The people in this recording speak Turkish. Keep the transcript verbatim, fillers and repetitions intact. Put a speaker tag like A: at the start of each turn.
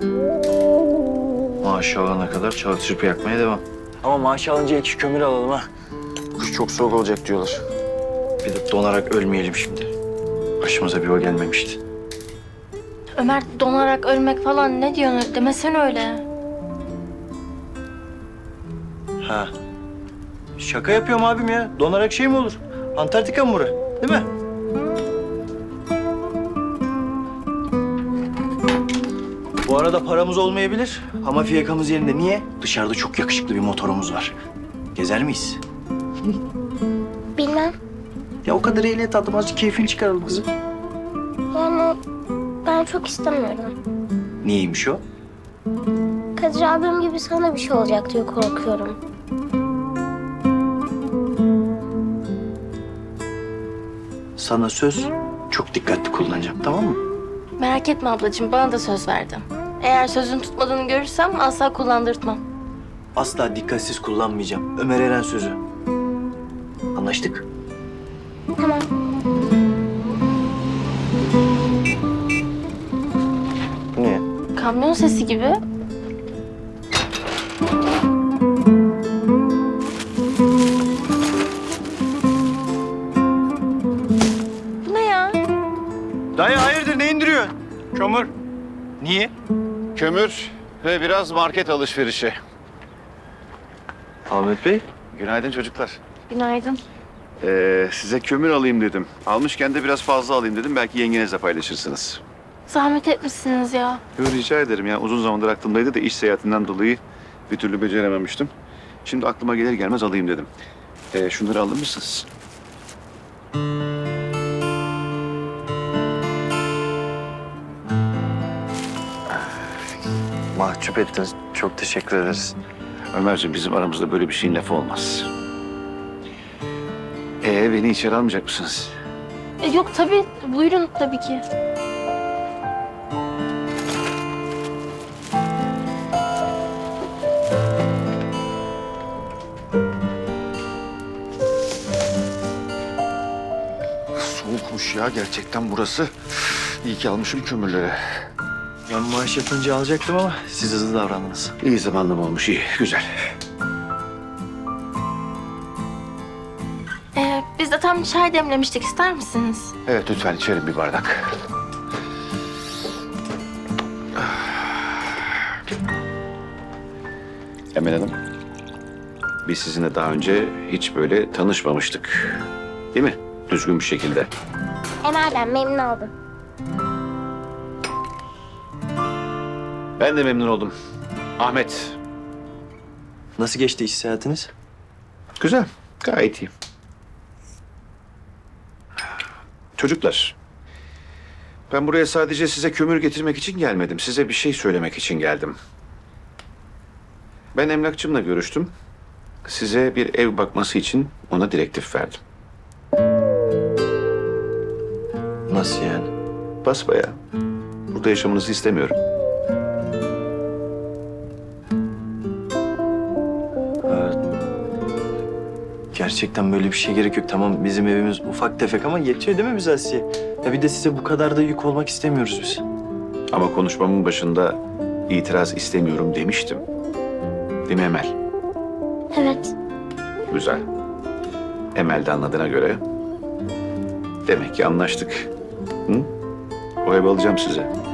A: Maaşı alana kadar çalışıp yakmaya devam.
B: Ama maaşı alınca iki kömür alalım ha. Kış çok soğuk olacak diyorlar.
A: Bir de donarak ölmeyelim şimdi. Başımıza bir o gelmemişti.
C: Ömer donarak ölmek falan ne diyorsun? Demesene öyle.
A: Ha. Şaka yapıyorum abim ya. Donarak şey mi olur? Antarktika mı bura? Değil mi? Bu arada paramız olmayabilir ama fiyakamız yerinde. Niye? Dışarıda çok yakışıklı bir motorumuz var. Gezer miyiz?
D: Bilmem.
A: Ya o kadar ehliyet aldım, azıcık keyfini çıkaralım kızım.
D: Yani ben çok istemiyorum.
A: Niyeymiş o?
D: Kadir abim gibi sana bir şey olacak diye korkuyorum.
A: Sana söz, çok dikkatli kullanacağım, tamam mı?
C: Merak etme ablacığım, bana da söz verdin. Eğer sözün tutmadığını görürsem asla kullandırtmam.
A: Asla dikkatsiz kullanmayacağım. Ömer Eren sözü. Anlaştık.
D: Tamam.
A: Niye?
C: Kamyon sesi gibi. Bu ne ya?
A: Dayı hayırdır, ne indiriyorsun?
E: Kömür,
A: Niye?
E: kömür ve biraz market alışverişi.
A: Ahmet Bey.
E: Günaydın çocuklar.
C: Günaydın.
E: Ee, size kömür alayım dedim. Almışken de biraz fazla alayım dedim. Belki yengenizle paylaşırsınız.
C: Zahmet etmişsiniz ya.
E: Yo, rica ederim ya. Uzun zamandır aklımdaydı da iş seyahatinden dolayı bir türlü becerememiştim. Şimdi aklıma gelir gelmez alayım dedim. Ee, şunları alır mısınız?
A: Mahcup ettiniz. Çok teşekkür ederiz.
E: Ömerciğim, bizim aramızda böyle bir şeyin lafı olmaz. Ee, beni içeri almayacak mısınız?
C: E, yok tabii, buyurun tabii ki.
E: Soğukmuş ya gerçekten burası. İyi ki almışım kömürleri.
A: Ben maaş yatınca alacaktım ama siz hızlı davrandınız.
E: İyi zamanlama olmuş, iyi, güzel.
C: E, biz de tam çay demlemiştik, ister misiniz?
E: Evet, lütfen içerim bir bardak. Emel Hanım, biz sizinle daha önce hiç böyle tanışmamıştık. Değil mi? Düzgün bir şekilde.
D: Emel ben memnun oldum.
E: Ben de memnun oldum. Ahmet.
A: Nasıl geçti iş seyahatiniz?
E: Güzel, gayet iyi. Çocuklar, ben buraya sadece size kömür getirmek için gelmedim. Size bir şey söylemek için geldim. Ben emlakçımla görüştüm. Size bir ev bakması için ona direktif verdim.
A: Nasıl yani?
E: Basbayağı. Burada yaşamanızı istemiyorum.
A: Gerçekten böyle bir şey gerek yok. Tamam, bizim evimiz ufak tefek ama yetiyor değil mi bize Asiye? Ya bir de size bu kadar da yük olmak istemiyoruz biz.
E: Ama konuşmamın başında itiraz istemiyorum demiştim. Değil mi Emel?
D: Evet.
E: Güzel. Emel de anladığına göre demek ki anlaştık. Hı? O evi alacağım size.